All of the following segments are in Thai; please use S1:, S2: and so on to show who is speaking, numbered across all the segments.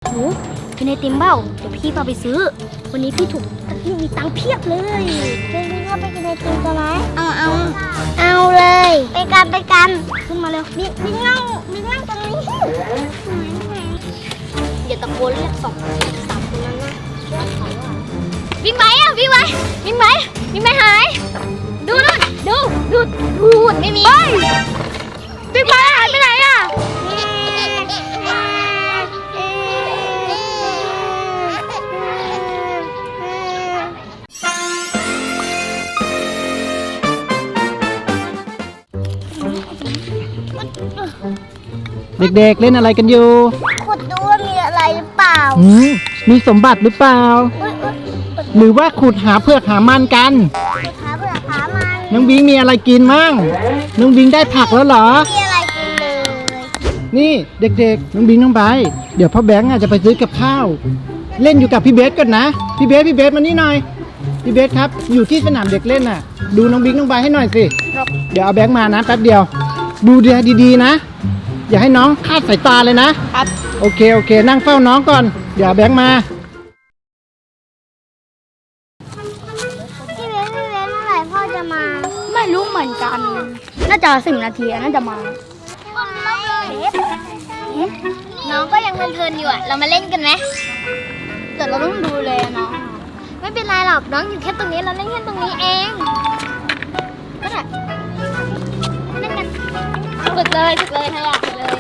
S1: หนูกินไอติมเบ้าเดี๋ยวพี่พาไปซื้อวันนี้พี่มีตังค์เพียบเลยเป็นพี่ก็ไปกินไอติมกันไหมเอาเลยไปกันขึ้นมาเร็วบิ๊กนั่งตรงนี้อย่าตะโกนเรียก2 3คนนั้นนะบิ๊กไหมอ่ะบิ๊กไหมหายดูไม่มีบิ๊กไหมหายไปไหนอ่ะ
S2: เด็กๆเล่นอะไรกันอยู่
S1: ขุดดูว่ามีอะไรหรือเปล่า
S2: มีสมบัติหรือเปล่าหรือว่าขุดหาเผือกหามันกัน
S1: หาเผือกหามัน
S2: น้องบิงมีอะไรกินมั่งน้องบิงได้ผักแล้วเหรอ
S1: มีอะไรกินเลย
S2: นี่เด็กๆน้องบิงน้องใบเดี๋ยวพ่อแบงค์จะไปซื้อกับข้าวเล่นอยู่กับพี่เบสก่อนนะพี่เบสมานี่หน่อยพี่เบสครับอยู่ที่สนามเด็กเล่นน่ะดูน้องบิงน้องใบให้หน่อยสิเดี๋ยวเอาแบงค์มานะแป๊บเดียวดูดีๆนะอย่าให้น้องคลาดสายตาเลยนะครับโอเคนั่งเฝ้าน้องก่อนเดี๋ยวแบงค์มา
S1: พี่เบสเมื่อไหร่พ่อจะมาไม่รู้เหมือนกันน่าจะ10 นาทีน่าจะมาน้องก็ยังเพลินอยู่อ่ะเรามาเล่นกันไหมแต่เราต้องดูแลน้องไม่เป็นไรหรอกน้องอยู่แค่ตรงนี้เราเล่นแค่ตรงนี้เองก็ได้เล่นกันฝึกเลยเธออยากฝึกเลย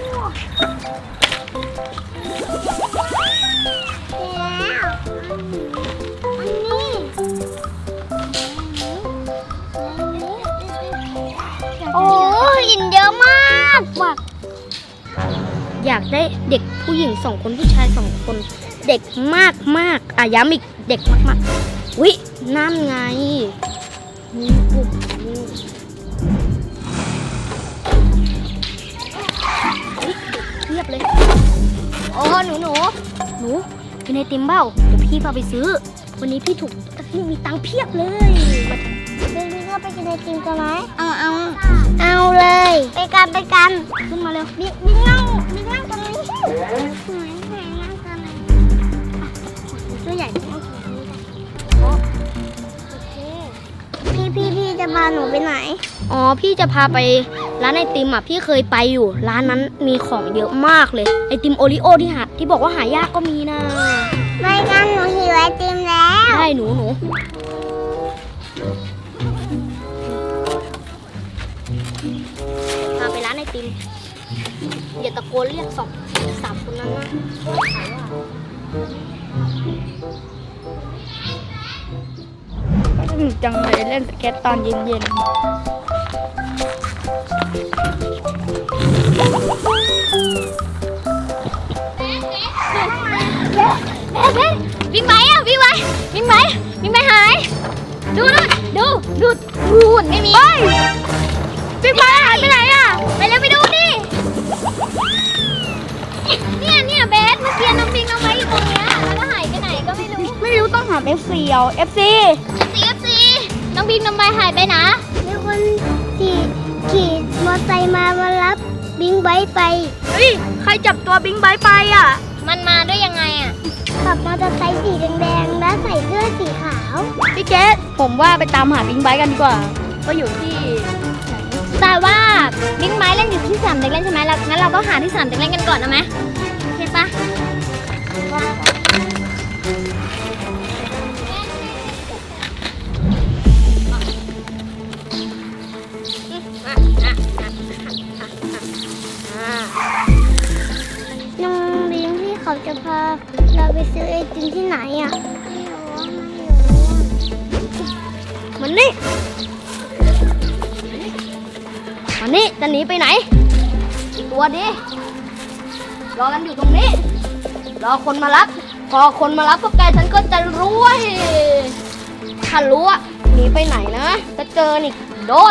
S1: โอ้หินเยอะมากว่ะอยากได้เด็กผู้หญิง2 คนผู้ชาย2 คนเด็กมากย้ำอีกเด็กมากวินั่นไงเรียบเลยโอ้หนูกินไอติมเบ้าเดี๋ยวพี่พาไปซื้อวันนี้พี่มีตังค์เพียบเลยพี่ก็ไปกินไอติมกันไหมเอาเลยไปกันขึ้นมาเร็วบิ๊กนั่งตรงนี้นั่งกันเลยตัวใหญ่พี่จะพาหนูไปไหนอ๋อพี่จะพาไปร้านไอติมอ่ะพี่เคยไปอยู่ร้านนั้นมีของเยอะมากเลยไอติมโอริโอที่บอกว่าหายากก็มีนะไม่งั้นหนูหิวไอติมแล้วได้หนูพาไปร้านไอติมอย่าตะโกนเรียก2 3คนนั้นนะจังเลยเล่นสเก็ตตอนเย็นเบสวิ่งไหมหายดูไม่มีวิ่งไหมหายไปไหนอ่ะไปเร็วไปดูดิเนี่ยเบสเมื่อกี้น้องไว้อยู่ตรงเนี้ยแล้วก็หายไปไหนก็ไม่รู้ต้องหา FC เอา FC น้องไว้หายไปนะมีคนขี่มอเตอร์ไซค์มารับบิงไบค์ไปเฮ้ยใครจับตัวบิงไบค์ไปอ่ะมันมาด้วยยังไงอ่ะขับมอเตอร์ไซค์สีแดงๆและใส่เสื้อสีขาวพี่เกสผมว่าไปตามหาบิงไบค์กันดีกว่าว่าอยู่ที่แต่ว่าบิงไบค์เล่นอยู่ที่สนามเด็กเล่นใช่ไหมงั้นเราก็หาที่สนามเด็กเล่นกันก่อนนะไหมโอเคปะน้องบิงที่เขาจะพาเราไปซื้อไอติมที่ไหนอ่ะมันนี่จะหนีไปไหนตัวดิรอกันอยู่ตรงนี้รอคนมารับพอคนมารับพวกแกฉันก็จะรู้ว่าถ้ารู้ว่าหนีไปไหนนะจะเจอนี่โดน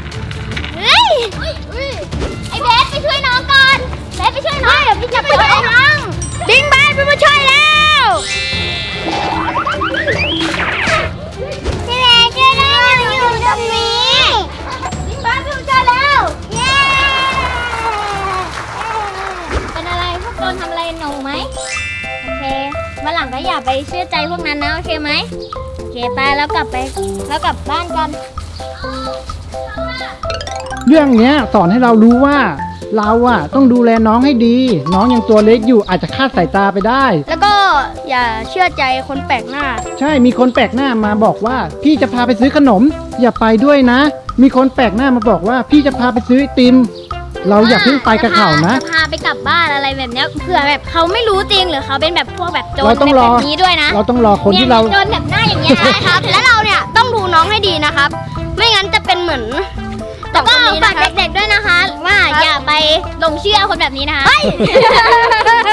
S1: ไอ้เบสไปช่วยน้องก่อนเบสไปช่วยน้องเดี๋ยวพี่จะไปช่วยน้องนทำอะไรหนูไหมโอเควันหลังก็อย่าไปเชื่อใจพวกนั้นนะโอเคไหมโอเคไปแล้วกลับบ้านกัน
S2: เรื่องเนี้ยสอนให้เรารู้ว่าเราอะต้องดูแลน้องให้ดี น้องยังตัวเล็กอยู่อาจจะคลาดสายตาไปได้
S1: แล้วก็อย่าเชื่อใจคนแปลกหน้า
S2: ใช่มีคนแปลกหน้ามาบอกว่า พี่จะพาไปซื้อขนม อย่าไปด้วยนะ มีคนแปลกหน้ามาบอกว่า พี่จะพาไปซื้อไอติม เราอย่าเพิ่งไปกับเขานะ
S1: จะพาไปกลับบ้านอะไรแบบเนี้ยเผื่อแบบเขาไม่รู้จริงหรือเขาเป็นแบบพวกแบบโจร
S2: เราต้องรอ
S1: แบบนี้ด้วยนะ
S2: เราต้องรอคนที่เรา
S1: โจรแบบหน้าอย่างเงี้ยนะครับ และเราเนี่ยต้องดูน้องให้ดีนะครับ ไม่งั้นจะเป็นเหมือนแล้วก็ฝากเด็กๆด้วยนะคะ ว่าอย่าไปหลงเชื่อคนแบบนี้นะคะ